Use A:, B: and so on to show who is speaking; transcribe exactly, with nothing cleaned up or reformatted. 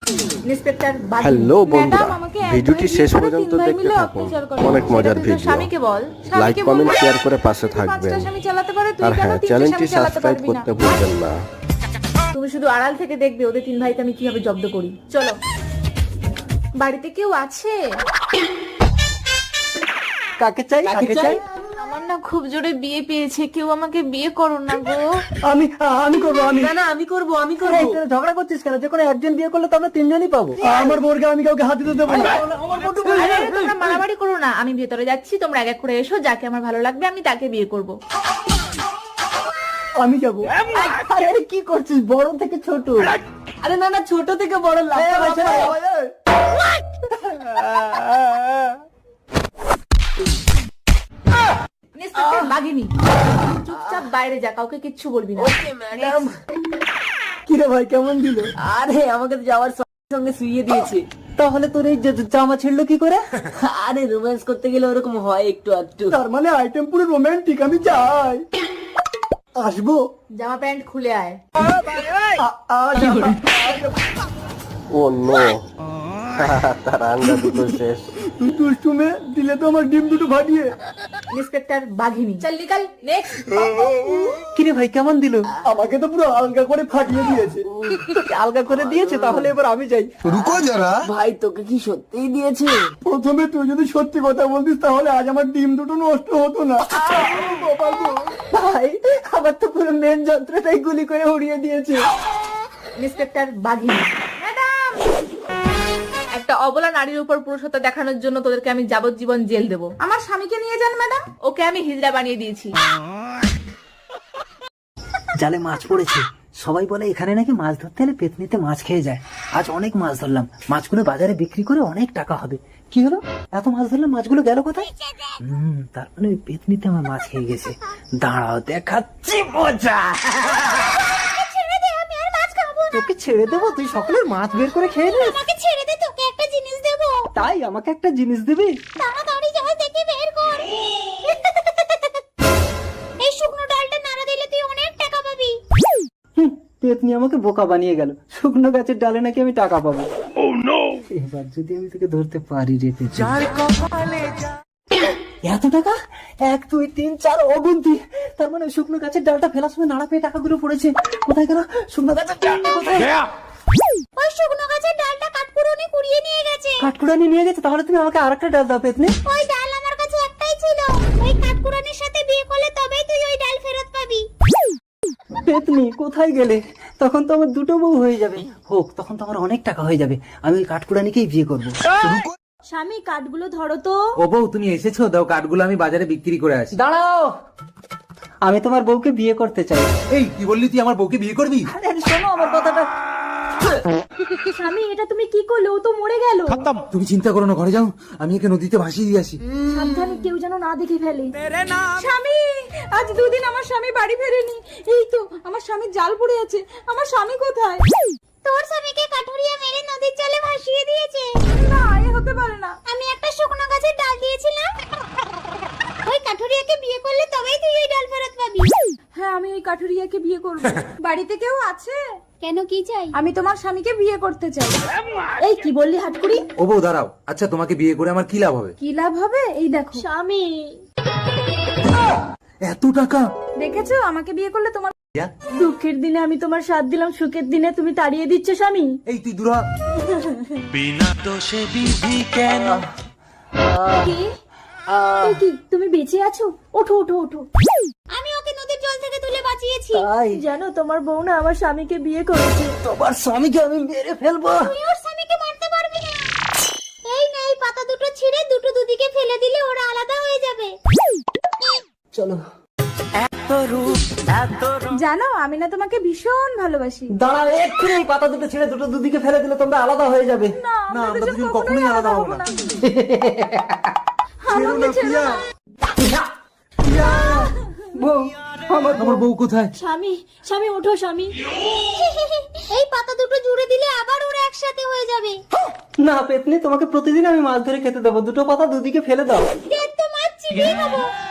A: Inspector বাগিনী।
B: Hello বন্ধুরা,
A: madam, আমাকে এক
B: ভিডিওটি
A: ভাই
B: শেষ
A: দিয়ে
B: পর্যন্ত
A: তিন ভাই
B: দেখতে
A: মিলে
B: থাকুন।
A: অত্যাচার করে।
B: অনেক
A: সেটা
B: মজার
A: তুই তোর
B: ভিডিও।
A: স্বামীকে বল,
B: লাইক
A: স্বামীকে
B: কমেন্ট
A: বল,
B: শেয়ার করে পাশে
A: তুই
B: থাকবেন।
A: পাঁচটা স্বামী চালাতে পারে, তুই
B: আর
A: কেন
B: হ্যাঁ,
A: তিনটে
B: চ্যানেলটি
A: স্বামী চালাতে
B: সাবস্ক্রাইব
A: পারবি না?
B: করতে ভুলবেন না।
A: তুমি শুধু আড়াল থেকে দেখবে ওদের তিন ভাইকে আমি কিভাবে জব্দ করি। চলো। বাড়িতে কেউ আছে?
C: কাকে চাই কাকে চাই?
A: আমার না খুব জোরে বিয়ে পেয়েছে, কেউ আমাকে বিয়ে করো না গো।
C: আমি আমি করবো আমি
D: না না আমি করব আমি
C: এই,
D: করব
C: তোরা ঝগড়া করছিস কেন? যে কোনো একজন বিয়ে করলে তো আমরা তিনজনই পাবো। আমার বোরকে আমি কাউকে হাত দিতে দেবো না।
A: আরে, আরে, তোমরা মারামারি করো না, আমি ভেতরে যাচ্ছি, তোমরা এক এক করে এসো, যাকে আমার ভালো লাগবে আমি তাকে বিয়ে করব।
C: আমি যাবো। আরে আরে, কি করছিস? বড় থেকে ছোট।
D: আরে না না ছোট থেকে বড় লাভ
C: এই, ভাই, ছেড়ে দাও, ভাই, এই।
A: ইন্সপেক্টর বাগিনী, চুপচাপ বাইরে যা, কাউকে কিচ্ছু বলবি না।
D: Okay madam.
C: কি রে ভাই, কেমন দিল?
D: আরে আমাকে তো যাওয়ার সঙ্গে সঙ্গে শুইয়ে দিয়েছে।
C: তাহলে তোর এই যে জামা ছিড়লো কি করে?
D: আরে রোম্যান্স করতে গেলে ওরকম হয় একটু একটু।
C: তার মানে আইটেম পুরো রোমান্টিক। আমি যাই, আসবো।
A: জামা প্যান্ট খুলে আয়।
C: আ- আজ
B: ও নো, তার আন্ডা দুটো শেষ।
C: তুই দুষ্টুমে দিলে তো আমার ডিম দুটো ফাটিয়ে।
A: ইন্সপেক্টর বাঘিনী, চল নিকাল। নেক্সট।
C: কিরে ভাই, কেমন দিল? আমাকে তো পুরো আলগা করে ফাটিয়ে দিয়েছে। তোকে আলগা করে দিয়েছে, তাহলে এবার আমি যাই।
E: रुको जरा।
D: ভাই তোকে কি সত্যিই দিয়েছে?
C: প্রথমে তুই যদি সত্যি কথা বলতিস তাহলে আজ আমার ডিম দুটো নষ্ট হতো না। ভাই, আমার তো পুরো মেন যন্ত্রটাই গুলি করে উড়িয়ে দিয়েছে।
A: ইন্সপেক্টর বাঘিনী, ম্যাডাম, একটা অবলা নারীর উপর পুরুষত্ব দেখানোর জন্য তোদেরকে আমি যাবজ্জীবন জেল দেবো। আমার স্বামীকে নিয়ে যান ম্যাডাম, ওকে আমি হিজড়া বানিয়ে দিয়েছি।
F: জালে মাছ পড়েছে। সবাই বলে এখানে নাকি মাছ ধরতে হলে পেতনিতে মাছ খেয়ে যায়। আজ অনেক মাছ ধরলাম, মাছগুলো বাজারে বিক্রি করে অনেক টাকা হবে। কি হলো, এত মাছ ধরলাম, মাছগুলো গেল কোথায়? হম তার মানে ওই পেতনিতে আমার মাছ খেয়ে গেছে। দাঁড়াও, দেখাচ্ছি মজা। তোকে ছেড়ে দেবো? তুই সকলের মাছ বের করে খেয়ে নিস।
G: আমাকে ছেড়ে দে, তোকে একটা জিনিস দেবো।
F: তাই আমাকে একটা জিনিস দিবি?
G: তাড়াতাড়ি যা, দেখে বের কর। এই শুকনো ডালটা নাড়া দিলে তুই অনেক টাকা পাবি।
F: হুম, পেতনি আমাকে বোকা বানিয়ে গেল। শুকনো গাছের ডালে নাকি আমি টাকা পাবো। এবার যদি আমি তোকে ধরতে পারি রে পেতনি। এত টাকা? এক দুই তিন চার অগুন্তি। তার মানে শুকনো গাছের ডালটা ফেলার সময় নাড়া পেয়ে টাকাগুলো পড়েছে। কোথায় গেল শুকনো গাছের ডালটা? কোথায়?
G: ওই শুকনো গাছের ডালটা কাঠপুরনি কুড়িয়ে নিয়ে গেছে।
F: কাঠকুড়ানি নিয়ে গেছে? তাহলে তুমি আমাকে আরেকটা ডাল দাও পেতনি।
G: ওই ডাল আমার কাছে একটাই ছিল। ওই কাঠপুরনির সাথে বিয়ে করলে তবেই তুই ওই ডাল ফেরত পাবি।
F: পেতনি কোথায় গেলে? তখন তো আমার দুটো বউ হয়ে যাবে। হোক, তখন তো আমার অনেক টাকা হয়ে যাবে। আমি ওই কাঠকুড়ানিকেই বিয়ে করবো।
G: স্বামী, কাঠগুলো ধরো তো।
H: ও বউ, তুমি এসেছো? দাও, কাঠগুলো আমি বাজারে বিক্রি করে আসি।
F: দাঁড়াও, আমি তোমার বউকে বিয়ে করতে চাই।
H: এই কি বললি? তুই আমার বউকে বিয়ে করবি?
F: আরে আরে, শোনো আমার কথাটা।
G: স্বামী, এটা তুমি কি করলে? ও তো মরে গেল।
H: তুমি চিন্তা করো না, ঘরে যাও, আমি একে নদীতে ভাসিয়ে দিয়ে আসি।
G: সাবধানে, কেউ যেন না দেখে ফেলে।
A: স্বামী, আজ দুদিন আমার স্বামী বাড়ি ফেরেনি। এই তো আমার স্বামীর জাল পড়ে আছে। আমার স্বামী কোথায়?
G: তোর স্বামীকে কাঠুরিয়া মেরে নদীর জলে ভাসিয়ে দিয়েছে।
A: না, এ হতে পারে না।
G: আমি একটা শুকনো গাছের ডাল দিয়েছিলাম। ওই কাঠুরিয়াকে বিয়ে করলে তবেই তুই ওই ডাল ফেরত পাবি।
A: হ্যাঁ, আমি ওই কাঠুরিয়াকে বিয়ে করব। বাড়িতে কেউ আছে?
G: কেন, কি চাই?
A: আমি তোমার স্বামীকে বিয়ে করতে চাই। এই কি বললি হাটকুড়ি?
H: ও বউ দাঁড়াও, আচ্ছা তোমাকে বিয়ে করে আমার কি লাভ হবে?
A: কি লাভ হবে? এই দেখো।
G: স্বামী,
H: এত টাকা?
A: দেখেছো, আমাকে বিয়ে করলে তোমার দুঃখের দিনে আমি তোমার সাথ দিলাম, সুখের দিনে তুমি তাড়িয়ে দিচ্ছ স্বামী।
H: এই তুই দূরা।
A: কি? এই কি, তুমি বেঁচে আছো? ওঠো ওঠো ওঠো।
G: আমি ওকে নদীর জল থেকে তুলে বাঁচিয়েছি।
F: তাই
A: জানো, তোমার বউ না আমার স্বামীকে বিয়ে করেছে।
F: তোমার স্বামীকে আমি মেরে ফেলবো।
G: তুই ওর স্বামীকে মারতে পারবি না। এই নে, এই পাতা দুটো ছিঁড়ে দুটো দুদিকে ফেলে দিলে ওরা আলাদা হয়ে যাবে।
F: চলো।
A: জানো, আমি না তোমাকে ভীষণ ভালোবাসি।
F: দাঁড়াও, এক্ষুনি এই পাতা দুটো ছেড়ে দুটো দুদিকে ফেলে দিলে তোমরা আলাদা হয়ে যাবে।
A: না,
H: না, আমরা দুজন কখনোই আলাদা হবো না।
A: আমাকে ছেড়ো না।
F: বউ, আমার
H: আমার বউ কোথায়?
G: স্বামী, স্বামী ওঠো স্বামী। এই পাতা দুটো জুড়ে দিলে আবার ওরা একসাথে হয়ে যাবে।
F: না পেতনি, তোমাকে প্রতিদিন আমি মাছ ধরে খেতে দেবো। দুটো পাতা দুদিকে ফেলে দাও।
G: দেখ তো, মাছ চিবিয়ে খাবো।